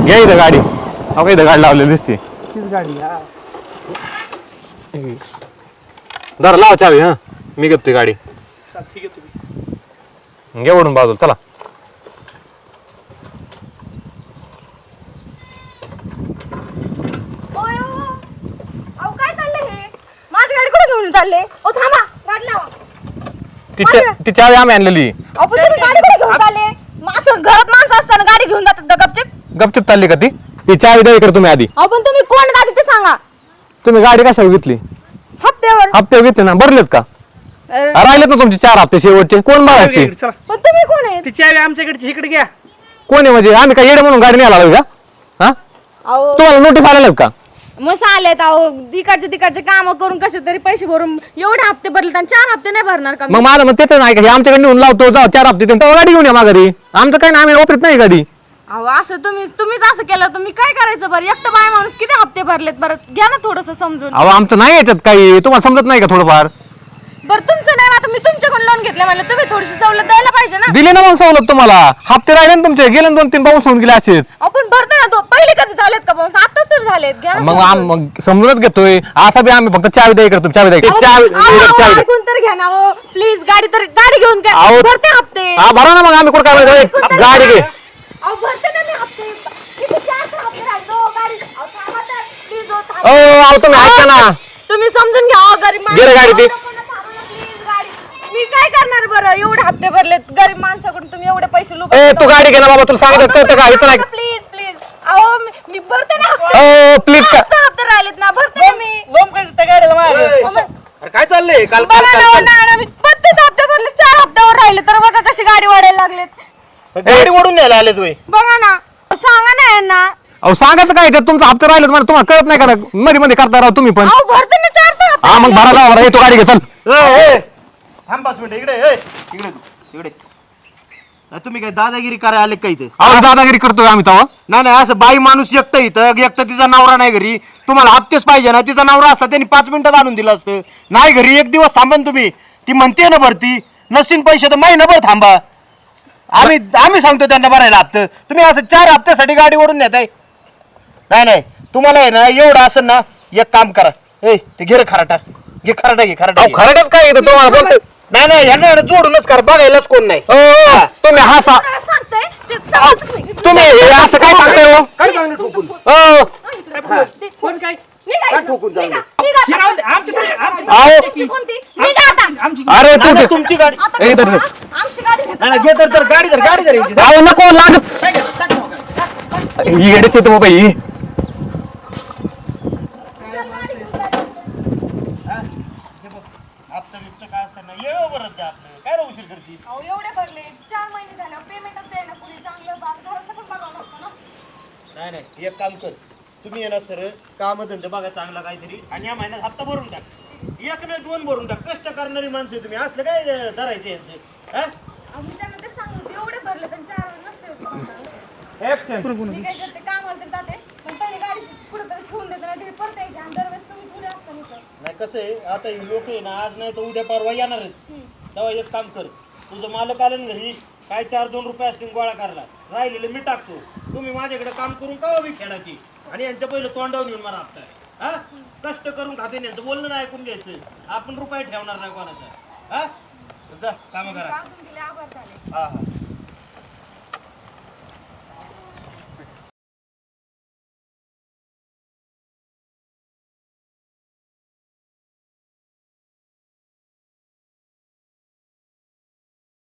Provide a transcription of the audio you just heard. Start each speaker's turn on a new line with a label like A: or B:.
A: घ्या इथं गाडी. अहो इथं गाडी लावलेली दिसते.
B: तीच गाडी. हा
A: जरा लाव चावी. हा मी घेतो गाडी.
B: ठीक आहे तुम्ही
A: घे ओढून बाजूला चला.
C: काय चाललंय हे? माझी गाडी कुठे घेऊन चालले? ओ थांबा, गाडी लावा.
A: ती चावी आम्ही आणलेली.
C: अहो पण तुम्ही गाडी कुठे घेऊन चालले? माझं घरात माणसं असताना गाडी घेऊन जातात का गपचिप?
A: गपचूप चालली का ती चावी द्या इकडे तुम्ही आधी.
C: अहो पण तुम्ही कोण दादी ते सांगा.
A: तुम्ही गाडी कशावर घेतली?
C: हप्त्यावर.
A: हप्ते घेतले ना, भरलेत का? राहिलेत ना तुमचे 4 हप्ते शेवटचे. कोण भरायचे?
B: चला.
C: पण तुम्ही कोण आहेत?
B: ती चावी आमच्याकडची इकडे घ्या.
A: कोण आहे म्हणजे? आम्ही काय येडे म्हणून गाडी नाही आला का? हा
C: अहो
A: तुम्हाला नोटीस आलेलं का?
C: मग आलेत. अहो तिकडचे काम करून कसे तरी पैसे भरून एवढे हप्ते भरले आणि 4 हप्ते नाही भरणार का?
A: मग माझं मग तेच नाही का? हे आमच्याकडे नेऊन लावतो, जाऊ 4 हप्ते देऊन गाडी घेऊन या माघारी. आमचं काय नाही, आम्ही वापरत नाही गाडी.
C: अहो असं तुम्हीच असं केलं तर मी काय करायचं बरं? एकटं बाय माणूस किती हप्ते भरलेत बरं? घ्या ना थोडस समजून.
A: अहो आमचं नाही याच्यात काही. तुम्हाला समजत नाही का थोडंफार?
C: बरं तुमचं नाही, आता मी तुमच्याकडून लोन घेतलं म्हणलं तुम्ही थोडीशी सवलत द्यायला पाहिजे ना.
A: दिले ना मग सवलत तुम्हाला. हप्ते राहिले ना तुमचे, गेले 2-3 पाऊस होऊन गेले असेच.
C: आपण भरतो ना. पहिले कधी झालेत का पाऊस? आताच तर झालेत. घ्या ना
A: मग
C: समजून.
A: मग समजूनच घेतोय. असा बी आम्ही फक्त चावी द्या इकडे. चावी द्या.
C: अहो, ऐकून तर घ्या ना. प्लीज गाडी घेऊन काय
A: अहो,
C: भरते हप्ते.
A: हा भरा ना मग. आम्ही कुठं काय गाडी घे.
C: अहो भरते ना मी हप्ते. किती 4 हप्ते राहिले. गाडी अहो थांबा तर प्लीज. हो
A: अहो तुम्ही ऐका ना.
C: तुम्ही समजून घ्या. गरीब
A: घे रे गाडी ती.
C: मी काय करणार बरं? एवढे हप्ते भरलेत गरीब माणसाकडून. तुम्ही एवढे पैसे लुबा.
A: तू गाडी घे ना बाबा. तुला सांगितलं कळतं का? इथं नाही.
C: प्लीज अहो मी भरते ना हप्ते.
A: प्लीज का?
C: 5 हप्ते राहिलेत ना. भरते ना मी.
B: लोम काय त्या गाडीला मागे.
D: अरे काय चाललंय? काल
C: बघा ना, मी 32 हप्ते भरले. 4 हप्त्यावर राहिले तर बघा कशी गाडी वाढायला लागलेत.
D: गाडी ओढून न्यायला आले तुम्ही.
C: बघा ना. सांगा ना यांना.
A: अहो सांगायचं काय? तुमचं हप्ते राहिले तुम्हाला कळत नाही का? मध्ये मध्ये करता राव तुम्ही पण.
C: अहो भरते ना 4 हप्ते.
A: हा मग भरा लावा. तू गाडी घे चल.
D: थांब 5 मिनिटं. इकडे तू इकडे. तुम्ही काय दादागिरी करायला आले का इथे?
A: अहो दादागिरी करतोय आम्ही तेव्हा.
D: नाही असं बाई माणूस एकटं इथं तिचा नवरा नाही घरी. तुम्हाला हप्तेच पाहिजे ना. तिचा नवरा असता त्यांनी 5 मिनिटात आणून दिलं असतं. नाही घरी 1 दिवस थांबा ना तुम्ही. ती म्हणते ना भरती. नसतील पैसे तर महिनाभर थांबा. आम्ही सांगतो त्यांना भरायला हप्ते. तुम्ही असं 4 हप्त्यासाठी गाडी ओढून नेताय. नाही तुम्हाला आहे ना एवढं असं ना, एक काम करा. ते घे रे खराटा. घे खराटा.
A: खरंच काय येतं तुम्हाला बोलतोय?
D: नाही ह्यांना जोडूनच कर. बघायलाच कोण नाही.
A: तुम्ही हा
C: सांगताय ते समजत नाही.
A: तुम्ही हे असं काय सांगताय हो?
D: काय चांगलं ठोकून
B: कोण काय?
D: ठोकून चांगलं.
A: अहो अरे तू
D: तुमची गाडी.
A: ए, धर, धर.
C: आमची गाडी घेतली.
D: नाही, घे तर गाडी धर इथे.
A: अहो नको लागत. ही गाडीच येतो बाबा ही.
D: हप्ता बिप्ता काय असतं ना येळो भरत जा आपलं. काय राहू उशीर करती?
C: अहो एवढे भरले 4 महिने झाले. पेमेंटच द्यायला कुणी चांगलं घराचं पण बघावं लागतं ना.
D: नाही एक काम कर. तुम्ही येणार सर काम धंदे बघा चांगला काहीतरी आणि या महिन्यात हप्ता भरून टाक. 1 नाही 2 भरून टाक. कष्ट करणारी माणसं तुम्ही. असलं काय धरायचे यांचे?
C: अहो मी त्यांना ते सांगतो एवढे भरले पण 4 नसते होते.
B: ऍक्शन.
C: मी काय करते कामाला तर जाते पण पहिले गाडी कुठेतरी ठेवून देते नाही परत यायची आणि दरवेळेस तुम्ही थोडे असता इथं.
D: नाही कसं आहे आता ही लोक आहे ना आज नाही तर उद्या परवा येणार आहेत. तेव्हा एक काम कर. तुझं मालक आलं ना घरी काय 4-2 रुपये असतील गोळा करायला. राहिलेलं मी टाकतो. तुम्ही माझ्याकडे काम करून का बी खेळा ती आणि यांच्या पहिलं तोंडावून येऊन मला हप्ता. कष्ट करून खाते यांचं बोलणं नाही ऐकून घ्यायचं. आपण रुपये ठेवणार नाही कोणाचा. जा काम करा.
C: तुमचे लय आभार झाले.
D: हा